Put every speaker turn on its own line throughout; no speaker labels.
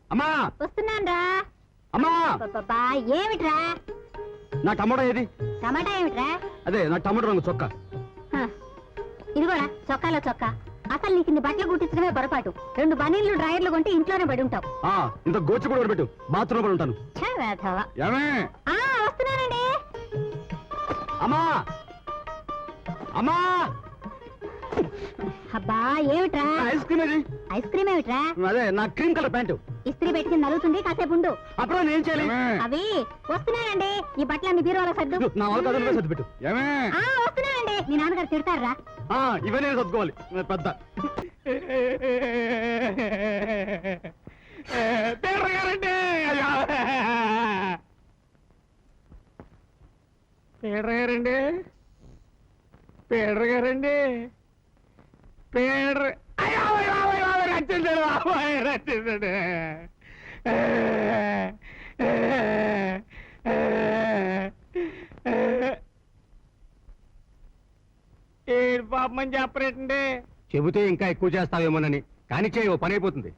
అమ్మా
వస్తున్నాన్రా.
అమ్మా
అబ్బబ్బబ్బా, ఏమిట్రా?
నా టమాటా ఏది?
టమాటా ఏమిట్రా?
అదే నా టమాటా రంగు చొక్కా.
ఇదిగోరా చొక్కాలో చొక్కా. అసలు నీకు ఇన్ని బట్టలు కుట్టించడమే పొరపాటు. 2 బనీళ్లు డ్రాయర్లు కొంటే ఇంట్లోనే పడి ఉంటావు.
ఇంత గోచి కూడా పెట్టు, బాత్రూమ్ పడి ఉంటాను.
వస్తున్నానండి.
అమ్మా అమ్మా
అబ్బా ఏమిట్రా?
ఐస్ క్రీమ్ ఏది?
ఐస్ క్రీమ్ ఏమిట్రా?
అదే నా క్రీమ్ కలర్ ప్యాంటు.
ఇస్త్రీ పెట్టుకుని నలుగుతుంది, కాసేపు ఉండు.
అప్పుడు నేను చేయాలి.
అవి వస్తున్నానండి. ఈ బట్టలన్నీ బీరువాలో సర్దు.
నా వాళ్ళ కథ సర్దు పెట్టు.
వస్తున్నానండి. మీ నాన్నగారు తిడతారా?
ఇవన్నీ సర్దుకోవాలి పెద్ద.
పేడర్ గారండి, పేడర్ గారండి, పేడర్ రచ్చించాడు బాబాయ్, రచ్చించాడు. ఏడు పాపమని చెప్పరేటండి.
చెబితే ఇంకా ఎక్కువ చేస్తావేమోనని, కానీ చేయవు, పని అయిపోతుంది.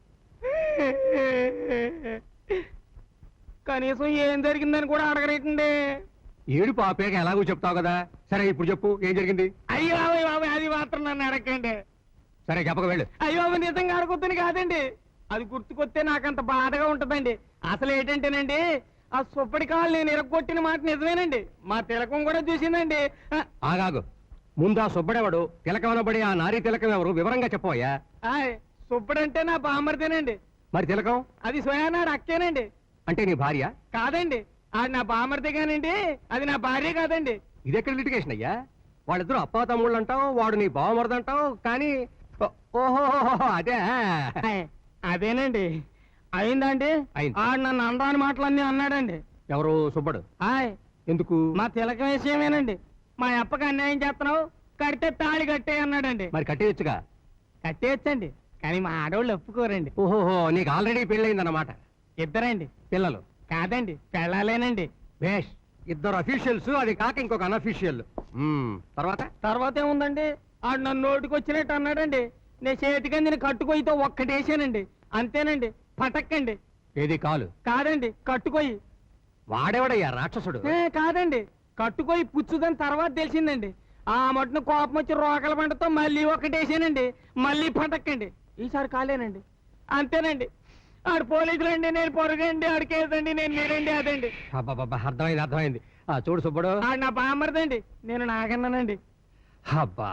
కనీసం ఏం జరిగిందని కూడా అడగరేటండి.
ఏడు పాపేక ఎలాగో చెప్తావు కదా. సరే ఇప్పుడు చెప్పు, ఏం జరిగింది?
అయ్యో బాబాయ్ బాబాయ్, అది మాత్రం నన్ను అడగండి.
సరే చెప్పక వెళ్ళు.
అయ్యో బాబు, నిజంగా అడగొద్దని కాదండి, అది గుర్తుకొస్తే నాకంత బాధగా ఉంటదండి. అసలు ఏంటంటేనండి, ఆ సుప్పటి కాలు నేను ఇరగొట్టిన మాట నిజమేనండి. మా తిలకం కూడా చూసిందండి.
ఆగాగు, ముందు ఆ సుబ్బడెవడు, తిలకమనబడి ఆ నారీ తిలకం ఎవరు వివరంగా చెప్పవయ్యా.
సుబ్బడంటే నా బామ్మర్దేనండి.
మరి తిలకం?
అది స్వయానాడు అక్కేనండి.
అంటే నీ భార్య?
కాదండి, అది నా బామ్మర్దే కానండి, అది నా భార్య కాదండి.
ఇదెక్కడ లిటిగేషన్ అయ్యా? వాళ్ళిద్దరు అప్పా తమ్ముళ్ళు అంటావు, వాడు నీ బావమరదంటావు, కానీ ఓహో అదే.
అదేనండి అయిందండి. ఆడు నన్ను అనరాని మాటలన్నీ అన్నాడండి.
ఎవరు? సుబ్బడు. ఎందుకు?
మా తిలకం విషయమేనండి. మా అప్పకి అన్యాయం చేస్తున్నావు, కడితే తాళి కట్టే అన్నాడండి.
మరి కట్టేయచ్చుగా.
కట్టేయచ్చండి, కానీ మా ఆడవాళ్ళు ఒప్పుకోరండి.
ఓహోహో, నీకు ఆల్రెడీ పెళ్ళయిందన్నమాట.
ఇద్దరండి.
పిల్లలు?
కాదండి, పెళ్ళాలేనండి.
బేష్, 2 అఫీషియల్స్, అది కాక ఇంకొక అనఫీషియల్. తర్వాత
ఏముందండి, ఆడు నన్ను నోటికి వచ్చినట్టు అన్నాడండి. నేను చేతికంది కట్టుకొయ్యితో ఒక్కటేసానండి, అంతేనండి. పటక్కండి.
ఏది కాలు?
కాదండి, కట్టుకొయ్యి.
వాడేవాడయ్యా రాక్షసుడు?
కాదండి, కట్టుకొయ్యి పుచ్చుదని తర్వాత తెలిసిందండి. ఆ మటును కోపం వచ్చి రోకల పంటతో మళ్ళీ ఒక్కటేసానండి, మళ్ళీ పటక్కండి. ఈసారి కాలేనండి, అంతేనండి. ఆడు పోలీసులు అండి, నేను పొరగండి, ఆడు కేసండి, నేను మీరండి, అదండి.
అర్థమైంది అర్థమైంది. చూడు సుబ్బడు,
ఆడు నా బామ్మర్దండి, నేను నాగన్నానండి.
అబ్బా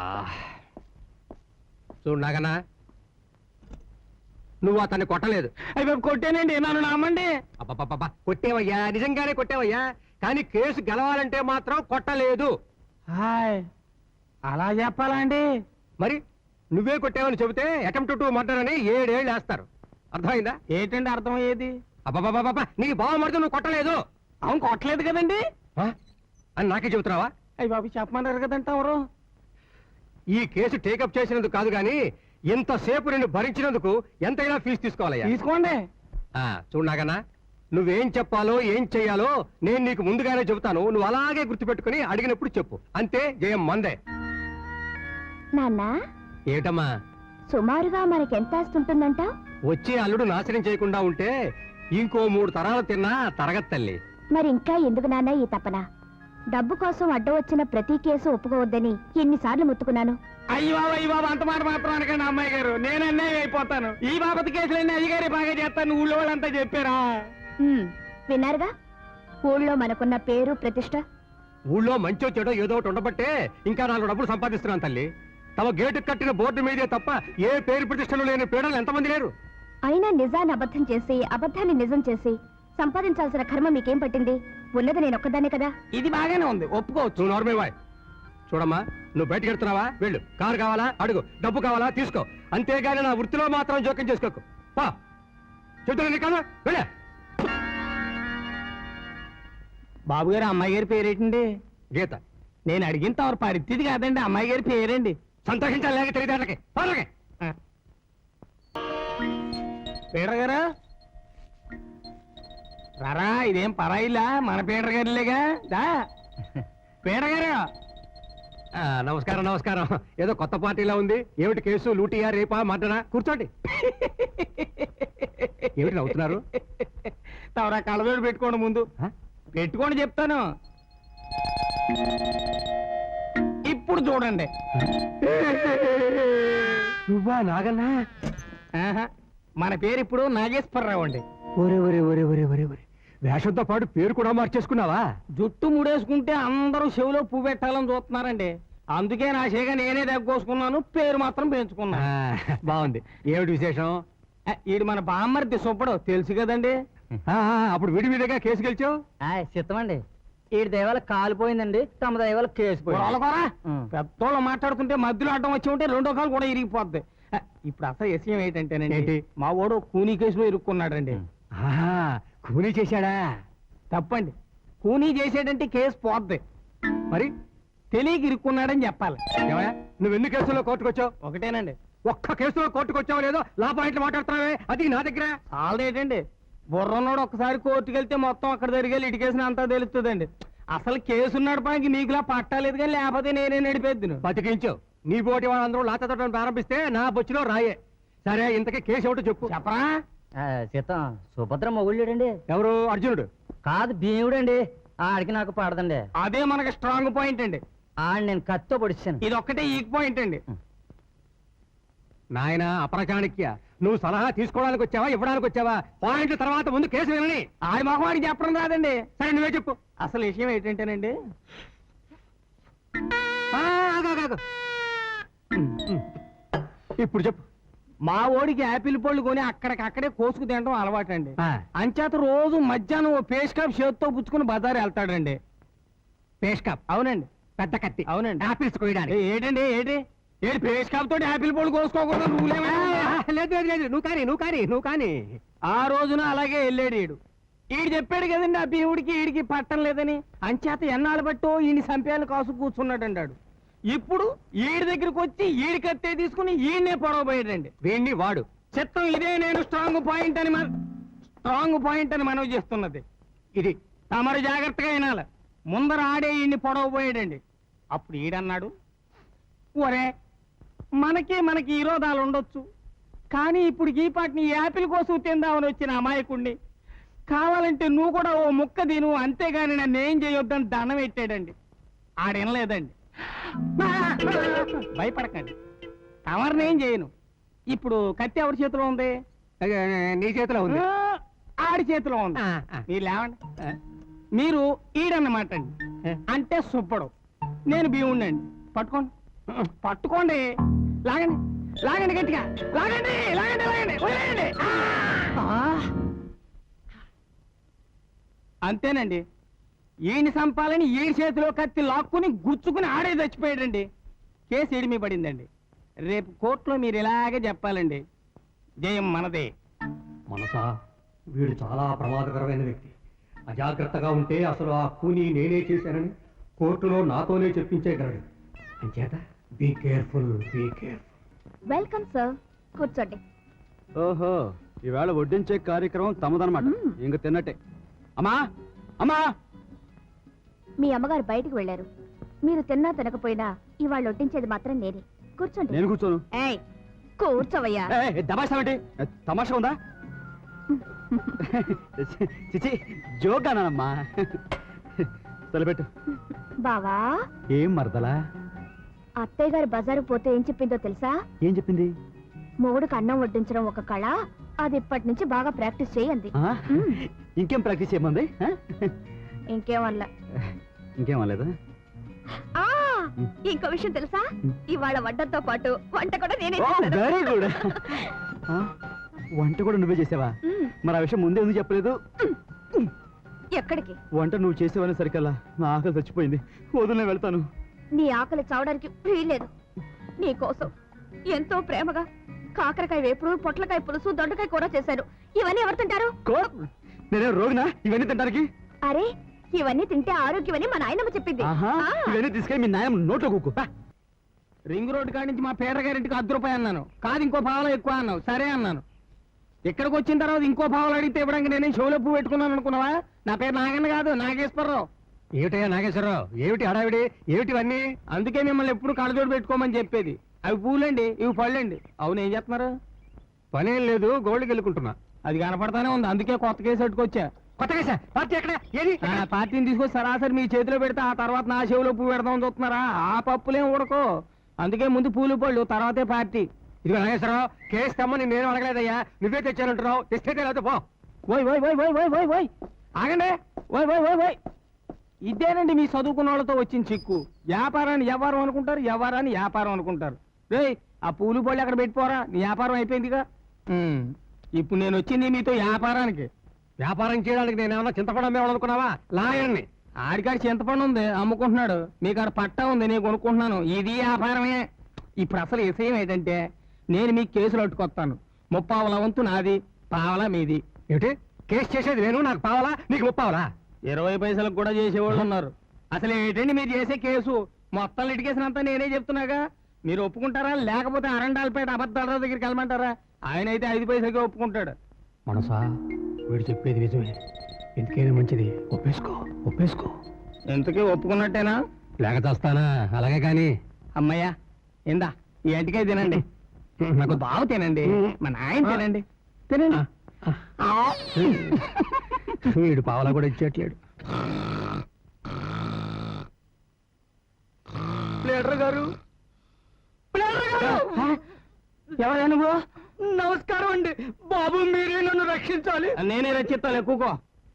చూడు నాగన్నా, నువ్వు అతన్ని కొట్టలేదు.
అయ్యి కొట్టానండి, నన్ను నమ్మండి.
అబ్బా కొట్టేవయ్యా, నిజంగానే కొట్టేవయ్యా, కానీ కేసు గెలవాలంటే మాత్రం కొట్టలేదు.
అలా చెప్పాలా అండి?
మరి నువ్వే కొట్టావని చెబితే అటెంప్ట్ టు మర్డర్ అని 7 ఏళ్ళు వేస్తారు. అర్థమైందా?
ఏంటండి అర్థమయ్యేది?
అబ్బాబాబా, నీ బావమరిది నువ్వు కొట్టలేదు.
అవును, కొట్టలేదు కదండి
అని నాకే చెబుతున్నావా?
అయ్యి బాబు, చెప్పమన్నారు కదంట. ఎవరు?
ఈ కేసు టేకప్ చేసినందుకు కాదు గాని, ఇంతసేపు నిన్ను భరించినందుకు ఎంతైనా ఫీజు తీసుకోవాలయ్యా.
తీసుకోండి.
చూడు నాగన్నా, నువ్వేం చెప్పాలో ఏం చెయ్యాలో నేను నీకు ముందుగానే చెబుతాను. నువ్వు అలాగే గుర్తుపెట్టుకుని అడిగినప్పుడు చెప్పు. అంతే, జయం మందే.
నాన్న,
ఏటమ్మా?
సుమారుగా మనకెంత ఆస్తుంటుందంట?
వచ్చే అల్లుడు నాశనం చేయకుండా ఉంటే ఇంకో 3 తరాలు తిన్నా తరగతి తల్లి.
మరి ఇంకా ఎందుకు నాన్న ఈ తపన? డబ్బు కోసం అడ్డం వచ్చిన ప్రతి కేసు ఒప్పుకోవద్దని ఎన్నిసార్లు ముత్తుకున్నాను.
అయ్యో బాబు, అంత మాట మాత్రం అనకండి అమ్మాయి గారు, నేను అన్నయ్య అయిపోతాను. ఈ బాబతి కేసులన్నీ అయ్యగారి బాగా చేస్తాను, ఊళ్ళో వాళ్ళంతా చెప్పారా?
విన్నారుగా, ఊళ్ళో మనకున్న పేరు ప్రతిష్ట.
ఊళ్ళో మంచో చెడో ఏదో ఒకటి ఉండబట్టే ఇంకా 4 డబ్బులు సంపాదిస్తున్నాను తల్లి. తమ గేటు కట్టిన బోర్డు మీదే తప్ప ఏ పేరు ప్రతిష్టలు లేని పీడలు ఎంతమంది లేరు.
అయినా నిజాన్ని అబద్ధం చేసి, అబద్ధాన్ని నిజం చేసి సంపాదించాల్సిన కర్మ మీకేం పట్టింది? ఉన్నది నేను ఒక్కదానే కదా.
ఇది బాగానే ఉంది, ఒప్పుకోవచ్చు.
నువ్వు నార్మే వాయ్. చూడమ్మా, నువ్వు బయటకు వెళ్తున్నావా? వెళ్ళు. కారు కావాలా అడుగు, డబ్బు కావాలా తీసుకో, అంతేగాని నా వృత్తిలో మాత్రం జోక్యం చేసుకోకు. పా చెప్తున్నా కాదు, వెళ్ళే.
బాబు గారు, అమ్మాయి గారి పేరేటండి?
గీత.
నేను అడిగిన తవరు పరిస్థితి కాదండి, అమ్మాయి గారి పేరండి.
సంతోషించాలి, లేక తెలియదేళ్ళకి.
పీటర్ గారు రారా, ఇదేం పరాయిలా, మన పీటర్ గారిలేగా. దా పీటర్ గారు.
నమస్కారం నమస్కారం. ఏదో కొత్త పార్టీలా ఉంది. ఏమిటి కేసు? లూటియా, రేపా, మర్డరా? కూర్చోండి. ఏమిటి నవ్వుతున్నారు?
తవరా కళ్ళజోడు పెట్టుకోండి ముందు.
ఆ?
పెట్టుకోండి చెప్తాను. ఇప్పుడు చూడండి.
నువ్వా నాగన్నా?
ఆహా, మన పేరు ఇప్పుడు నాగేశ్వరరావు అండి.
ఒరే ఒరే ఒరే ఒరే ఒరే ఒరే, వేషంతో పాటు పేరు కూడా మార్చేసుకున్నావా?
జుట్టు ముడేసుకుంటే అందరూ చెవిలో పువ్వు పెట్టాలని చూస్తున్నారండి. అందుకే నా చేగా నేనే దగ్గోసుకున్నాను, పేరు మాత్రం పెంచుకున్నా.
బాగుంది. ఏమిటి విశేషం?
ఈడు మన బామ్మర్ది సుబ్బడు తెలుసు కదండి.
అప్పుడు విడి విడిగా కేసు గెలిచావు.
చిత్తమండి ఈడి దయవల్ల కాలిపోయిందండి, తమ దయవల్ల కేసు
పెద్దోళ్ళు మాట్లాడుతుంటే మధ్యలో అడ్డం వచ్చి ఉంటే రెండో కాలు కూడా ఇరిగిపోద్ది. ఇప్పుడు అసలు విషయం ఏంటంటేనండి,
ఏంటి?
మా వాడు కూనీ కేసులో ఇరుక్కున్నాడండి.
కూనీ చేశాడా?
తప్పండి. కూనీ చేసేటంటే కేసు పోద్ది.
మరి
తెలియక ఇరుక్కున్నాడని చెప్పాలి.
ఏమయ్యా, నువ్వు ఎన్ని కేసుల్లో కోర్టుకొచ్చావు?
ఒకటేనండి.
ఒక్క కేసులో కోర్టుకొచ్చావు లేదో లా పాయింట్లు మాట్లాడుతున్నావే, అది నా దగ్గర.
ఆల్రేటండి బుర్రన్నోడు ఒక్కసారి కోర్టుకు వెళ్తే మొత్తం అక్కడ జరిగే లిటికేషన్ అంతా తెలుస్తుందండి. అసలు కేసు నడపడానికి నీకులా పట్టాలేదు కానీ లేకపోతే నేనే నడిపేద్దు.
బతికించావు. నీ పోటీ వాళ్ళందరూ లాతతోటం ప్రారంభిస్తే నా బొచ్చులో రాయే. సరే, ఇంతకీ కేసు ఏమిటో చెప్పు.
చెప్పరా?
చిత్తం సుభద్ర మొగుళ్ళుడండి.
ఎవరు? అర్జునుడు?
కాదు, భీముడండి. ఆడికి నాకు పడదండి.
అదే మనకి స్ట్రాంగ్ పాయింట్ అండి.
ఆడి నేను కత్తితో పొడిచాను.
ఇది ఒక్కటే ఈక్ పాయింట్ అండి.
నాయన అపరచాణిక్య, నువ్వు సలహా తీసుకోవడానికి వచ్చావా, ఇవ్వడానికి వచ్చావా? పాయింట్ తర్వాత ముందు కేసు వినని.
ఆడి మొహవాడికి చెప్పడం రాదండి.
సరే, నువ్వే చెప్పు.
అసలు విషయం ఏంటంటేనండి,
ఆగు, ఆగు, ఆగు. ఇప్పుడు చెప్పు.
మా ఓడికి యాపిల్ పళ్ళు కొని అక్కడికక్కడే కోసుకు తినడం అలవాటండి.
ఆ.
అంచేత రోజు మధ్యాహ్నం ఓ పేస్ కాప్ చేతితో పుచ్చుకుని బజారు వెళ్తాడండి.
పేష్ కప్?
అవునండి.
పెద్ద కత్తి?
అవునండి.
ఆపిల్స్ కోయడానికి?
ఏంటండి ఏంటి ఏంటి పేస్ కాప్ తోటి యాపిల్ పళ్ళు కోసుకోకూడదు
లేదు లేదు లేదు, నువ్వు కానీ.
ఆ రోజున అలాగే వెళ్ళాడు ఈడు. ఈడు చెప్పాడు కదండి ఆ భీముడికి ఈడికి పట్టం లేదని. అంచేత ఎన్నాళ్ళు బట్టో ఈయన సంపేయాలు కాసు కూర్చున్నాడండి ఆడు. ఇప్పుడు ఈడి దగ్గరికి వచ్చి ఈడి కత్తే తీసుకుని ఈయన్నే పొడవబోయాడండి.
వీణ్ణి వాడు.
చిత్తం ఇదే నేను స్ట్రాంగ్ పాయింట్ అని మనవి చేస్తున్నది.
ఇది
తమరు జాగ్రత్తగా వినాలి. ముందర ఆడే ఈయన్ని పొడవబోయాడండి. అప్పుడు ఈడన్నాడు, ఒరే మనకి విరోధాలు ఉండొచ్చు, కానీ ఇప్పుడు ఈ పాటిని యాపిల్ కోసం తిందామని వచ్చిన అమాయకుణ్ణి, కావాలంటే నువ్వు కూడా ఓ ముక్క తిను, అంతేగాని నన్ను ఏం చేయొద్దని దండం పెట్టాడండి. ఆడనలేదండి. భయపడకండి, తమరిని ఏం చేయను. ఇప్పుడు కత్తి ఎవరి చేతిలో ఉంది?
నీ చేతిలో ఉంది.
ఆడి చేతిలో ఉంది. మీరు లేవండి. మీరు ఈడన్నమాట అండి, అంటే సుబ్బడు, నేను భీముడిని అండి. పట్టుకోండి, లాగండి లాగండి, గట్టిగా లాగండి లాగండి లాగండి, వదిలేయండి. అంతేనండి. ఈయన సంపాలని ఈడి చేతిలో కత్తి లాక్కుని గుచ్చుకుని ఆడే చచ్చిపోయాడండి. కేసు ఎడిమి పడిందండి. రేపు కోర్టులో మీరు ఇలాగే చెప్పాలండి, జయం మనదే.
మనసా, వీడు చాలా ప్రమాదకరమైన వ్యక్తి. అజాగ్రత్తగా ఉంటే అసలు ఆ కూని నేనే చేశానని కోర్టులో నాతోనే చెప్పించేయగలడు. అంచేత బీ కేర్ఫుల్.
వెల్కమ్ సార్, కూర్చోండి.
ఓహో, ఈవేళ వడ్డించే కార్యక్రమం తమదనమాట. ఇంక తిన్నట్టే. అమ్మా అమ్మా,
మీ అమ్మగారు బయటికి వెళ్ళారు. మీరు తిన్నా తినకపోయినా ఇవాళ వడ్డించేది మాత్రం నేనే. కూర్చోండి.
నేను కూర్చోను.
ఏయ్, కూర్చోవయ్యా.
దబాషా ఏంటి? తమాషా ఉందా? చిచి, జోగానమ్మా. తలపెట్టు.
బావా,
ఏం మరదలా?
అత్తయ్య గారు బజారు పోతే ఏం చెప్పిందో తెలుసా?
ఏం చెప్పింది?
మొగుడుకు అన్నం వడ్డించడం ఒక కళ, అది ఇప్పటి నుంచి బాగా ప్రాక్టీస్ చేయండి.
ఇంకేం ప్రాక్టీస్ చేయమంది?
ఇంకేమల్లా.
ఇంకేం అనలేదా?
ఇంకో విషయం తెలుసా? ఇవాళ వంటతో పాటు వంట కూడా నేనే చేశాను.
Very good. వంట కూడా నువ్వే చేసావా? మరి ఆ విషయం ముందే ఎందుకు చెప్పలేదు?
ఎక్కడికి?
వంట నువ్వు చేసేవని సరికల్లా నా ఆకలి చచ్చిపోయింది. వదిలే వెళ్తాను.
నీ ఆకలి చావడానికి వీల్లేదు. నీ కోసం ఎంతో ప్రేమగా కాకరకాయ వేపుడు, పొట్లకాయ పులుసు, దొండకాయ కూర చేశాను. ఇవన్నీ ఎవరు తింటారు?
నేనే రోగినా ఇవన్నీ తింటానికి?
అరే, ఇవన్నీ తింటే ఆరోగ్యమని మా నాయనమ్మ చెప్పింది.
ఇవన్నీ తీసుకెళ్ళి మీ నాయన నోట్లో కూకు.
రింగ్ రోడ్ కాడి నుంచి మా పేద గారింటికి 10 రూపాయలు అన్నాను. కాదు, ఇంకో పావులో ఎక్కువ అన్నావు. సరే అన్నాను. ఇక్కడికి వచ్చిన తర్వాత ఇంకో పావులు అడిగితే ఇవ్వడానికి నేనే షోలో పువ్వు పెట్టుకున్నాను అనుకున్నావా? నా పేరు నాగన్న కాదు, నాగేశ్వరరావు.
ఏమిటయ్యా నాగేశ్వరరావు, ఏమిటి హడావిడి, ఏమిటివన్నీ?
అందుకే మిమ్మల్ని ఎప్పుడు కళ్ళజోడు పెట్టుకోమని చెప్పేది. అవి పూలండి, ఇవి పళ్ళండి. అవును, ఏం చేస్తున్నారు?
పనేం లేదు, గోల్డ్కి వెళ్ళుకుంటున్నా.
అది కనపడతానే ఉంది, అందుకే కొత్త కేసు పెట్టుకొచ్చా.
కొత్త కేసా? పార్టీ ఎక్కడ? ఏది?
పార్టీని తీసుకొచ్చి సరాసరి మీ చేతిలో పెడితే ఆ తర్వాత నా చెవిలో పువ్వు పెడదామని చూస్తున్నారా? ఆ పప్పులేం ఉడకో. అందుకే ముందు పూలు పళ్ళు, తర్వాతే పార్టీ.
ఇదిగో నాగేశ్వరరావు, కేసు తెమ్మని నేను అడగలేదయ్యా, నువ్వే తెచ్చానంటున్నావు. తెస్తే లేకపోతే పో.
ఓయ్ ఓయ్ ఓయ్ ఓయ్ ఓయ్ ఓయ్ ఓయ్ ఆగండి. ఓయ్ ఓయ్ ఓయ్ ఓయ్ ఇదేనండి మీ చదువుకున్న వాళ్ళతో వచ్చిన చిక్కు. వ్యాపారాన్ని వ్యవహారం అనుకుంటారు, వ్యవహారాన్ని వ్యాపారం అనుకుంటారు. రేయ్, ఆ పూలు పళ్ళు అక్కడ పెట్టిపోరా, నీ వ్యాపారం అయిపోయిందిగా. ఇప్పుడు నేను వచ్చింది మీతో వ్యాపారానికి.
వ్యాపారం చేయడానికి నేను ఏమన్నా చింతపడం అమ్మేవాళ్ళనుకున్నావా? లాయర్ని.
ఆడికాడ చింతపండు ఉంది, అమ్ముకుంటున్నాడు. మీకు ఆడ పట్టా ఉంది, నేను కొనుక్కుంటున్నాను. ఇది వ్యాపారమే. ఇప్పుడు అసలు విషయం ఏంటంటే, నేను మీకు కేసులు అట్టుకొస్తాను. 30 వంతు నాది, పావలా మీది.
ఏమిటి? కేసు చేసేది నేను, నాకు పావాలా, నీకు 30
20 పైసలకు కూడా చేసేవాళ్ళు ఉన్నారు. అసలు ఏంటండి మీరు చేసే కేసు? మొత్తం లిటికేసినంతా నేనే చెప్తున్నాగా. మీరు ఒప్పుకుంటారా, లేకపోతే అరండాలపేట అబద్ధాల దగ్గరికి వెళ్ళమంటారా? ఆయన అయితే 5 పైసలకే ఒప్పుకుంటాడు.
మనసా, వీడు చెప్పేది నిజమే. ఎందుకైనా మంచిది, ఒప్పేసుకో, ఒప్పేసుకో.
ఎంతకీ ఒప్పుకున్నట్టేనా?
లేక చేస్తానా? అలాగే కానీ.
అమ్మయ్యా, ఇందా ఈ ఎంటికే తినండి. నాకు బావ తినండి, మా నాయన తినండి. తినండి.
వీడు పావలా కూడా ఇచ్చేట్లేడు.
లీడర్ గారు, ఎవరా నువ్వు? నమస్కారం అండి బాబు, మీరే నన్ను రక్షించాలి. నేనే రక్షిస్తాను, ఎక్కువ.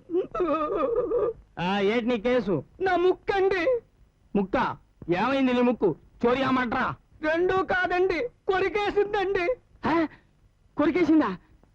ఏంటి నీ కేసు? నా ముక్కు అండి. ముక్క? ఏమైంది నీ ముక్కు? చోరీ అమ్మంటారా? రెండూ కాదండి, కొరికేసిందండి. కొరికేసిందా?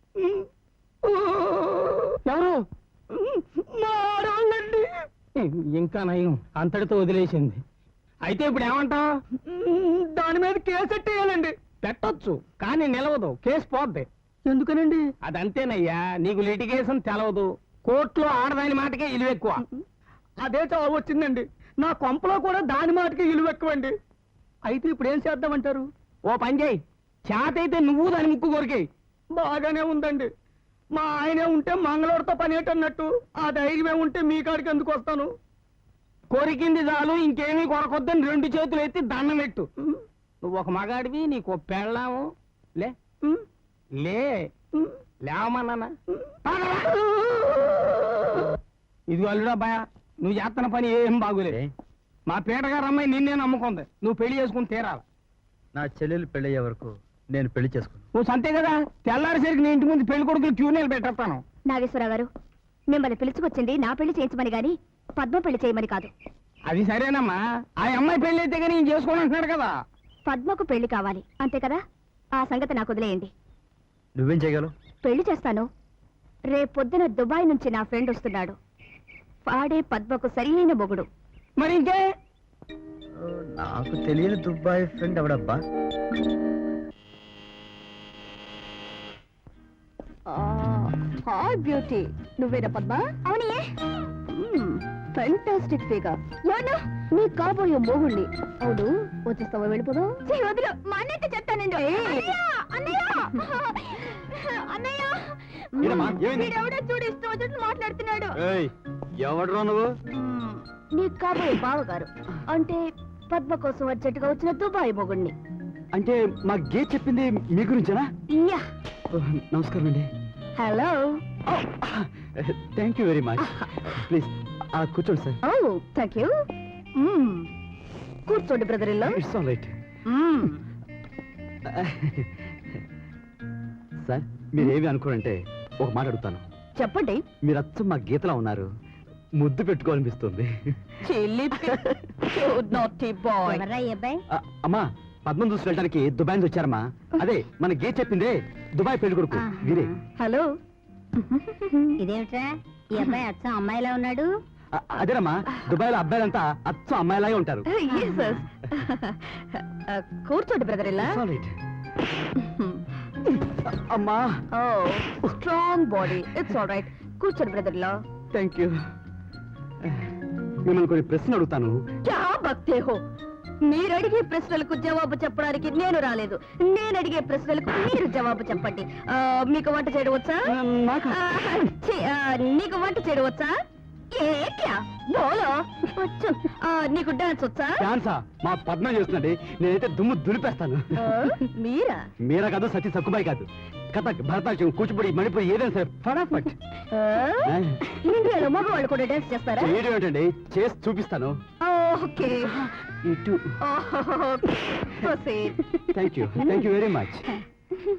ఎవరు? మారాలండి. ఇంకా నయం, అంతటితో వదిలేసింది. అయితే ఇప్పుడు ఏమంటావు? దాని మీద కేసు ఎట్టేయాలండి. పెట్టొచ్చు, కానీ నిలవదు, కేసు పోద్ది. ఎందుకనండి? అదంతేనయ్యా, నీకు లిటిగేషన్ తెలవదు. కోర్టులో ఆడదాని మాటకే ఇలువ ఎక్కువ. అదే చావు వచ్చిందండి. నా కొంపలో కూడా దాని మాటకే ఇలువ ఎక్కువండి. అయితే ఇప్పుడు ఏం చేద్దామంటారు? ఓ పని చేయి, చేత అయితే నువ్వు దాని ముక్కు కొరికేయి. బాగానే ఉందండి. మా ఆయనే ఉంటే మంగళవారితో పని ఏంటన్నట్టు, ఆ ధైర్యమే ఉంటే మీ కాడికి ఎందుకు వస్తాను? కొరికింది చాలు, ఇంకేమీ కొరకొద్దని 2 చేతులు ఎత్తి దండం పెట్టు. నువ్వు ఒక మగాడివి, నీకు ఒక పెళ్ళాము. లే లే లేవమన్నానా? ఇది అల్లుడా భయ, నువ్వు చేస్తున్న పని ఏం బాగులే. మా పీటగారు అమ్మాయి నిన్నే నమ్ముకుంది, నువ్వు పెళ్లి చేసుకుని తీరాలి.
నా చెల్లెలు పెళ్ళయ్యే వరకు నేను పెళ్లి చేసుకున్నాను.
నువ్వు సంతే కదా, తెల్లారిసరికి నీ ఇంటి ముందు పెళ్లి కొడుకులు క్యూనేలు పెట్టేస్తాను.
నాగేశ్వరరావు గారు, మిమ్మల్ని పిలుచుకొచ్చింది నా పెళ్లి చేయించమని గాని పద్మ పెళ్లి చేయమని కాదు.
అది సరేనమ్మా, ఆ అమ్మాయి పెళ్లి అయితే కానీ నేను చేసుకోని అంటున్నాడు కదా.
పద్మకు పెళ్లి కావాలి అంతే కదా, ఆ సంగతి నాకు వదిలేయండి.
నువ్వేం చేయగలవు?
పెళ్లి చేస్తాను. రేపొద్దున దుబాయ్ నుంచి నా ఫ్రెండ్ వస్తున్నాడు. వాడే పద్మకు సరైన మొగుడు.
మరి ఇంకే?
నాకు తెలియని దుబాయ్ ఫ్రెండ్ ఎవడబ్బా?
హాయ్ బ్యూటీ, నువ్వేనా పద్మ? అవునే. Fantastic figure. ఎవరు? నీ కాబోయే మోగుణ్ణి. అవును, వచ్చేస్తావా? వెళ్ళిపోదాం. వదిలు, మా అన్నయ్య చెప్తానండి. వీడెవడో చూడు, ఇష్టం వచ్చినట్టు మాట్లాడుతున్నాడు.
ఎవడరా నువ్వు?
నీ కాబోయే బావగారు, అంటే పద్మ కోసం అర్జెంటుగా వచ్చిన దుబాయ్ మొగుణ్ణి.
అంటే మా గే చెప్పింది మీ గురించేనా?
యా.
నమస్కారం అండి.
Hello.
Thank you very much. Please కూర్చోండి సార్.
Oh thank you. కూర్చోండి బ్రదర్ ఇల్లో.
It's all right. సార్, మీరేమి అనుకోరంటే ఒక మాట అడుగుతాను.
చెప్పండి.
మీరు అచ్చం మా గీతలా ఉన్నారు, ముద్దు పెట్టుకోవాలనిపిస్తుంది. అమ్మా, పద్మం చూసి వెళ్ళడానికి దుబాయ్ నుంచి వచ్చారమ్మా. అదే మన గే చెప్పిందే దుబాయ్ పెళ్లి కొడుకు వీరే.
హలో.
ఇదేమిట్రా, ఈ అబ్బాయి అచ్చం అమ్మాయిలా ఉన్నాడు?
అదేనమ్మా, దుబాయ్ లో అబ్బాయిలంతా అచ్చం అమ్మాయిలాగే ఉంటారు.
కూర్చోండి బ్రదర్ ఇలా.
అమ్మా,
strong body, it's all right. కూర్చోండి బ్రదర్ ఇలా.
Thank you. మిమ్మల్ని కొన్ని ప్రశ్నలు అడుగుతాను.
క్యా బక్తే హో? మీరు అడిగే ప్రశ్నలకు జవాబు చెప్పడానికి నేను రాలేదు. నేను అడిగే ప్రశ్నలకు మీరు జవాబు చెప్పండి. మీకు వంట చేయడం వచ్చా? నీకు వంట చేయడం వచ్చా? ఏ క్యా బోలో వచ్చు నీకు డాన్స్ వచ్చా
ఛాన్సా మా పద్మ చేస్తుందండి నేనైతే దుమ్ము దులిపేస్తాను
మీరా
మీరా కాదు సతీ సక్కుబాయి కాదు కథక్ భరతనాట్యం కూచిపూడి మణిపూరి ఏదైనా సరే ఫటాఫట్
ఇండియాలో మగవాళ్ళు కూడా డాన్స్ చేస్తారా
చేయడం ఏంటండి చేసి చూపిస్తాను
ఓకే
ఇటు థ్యాంక్ యూ వెరీ మచ్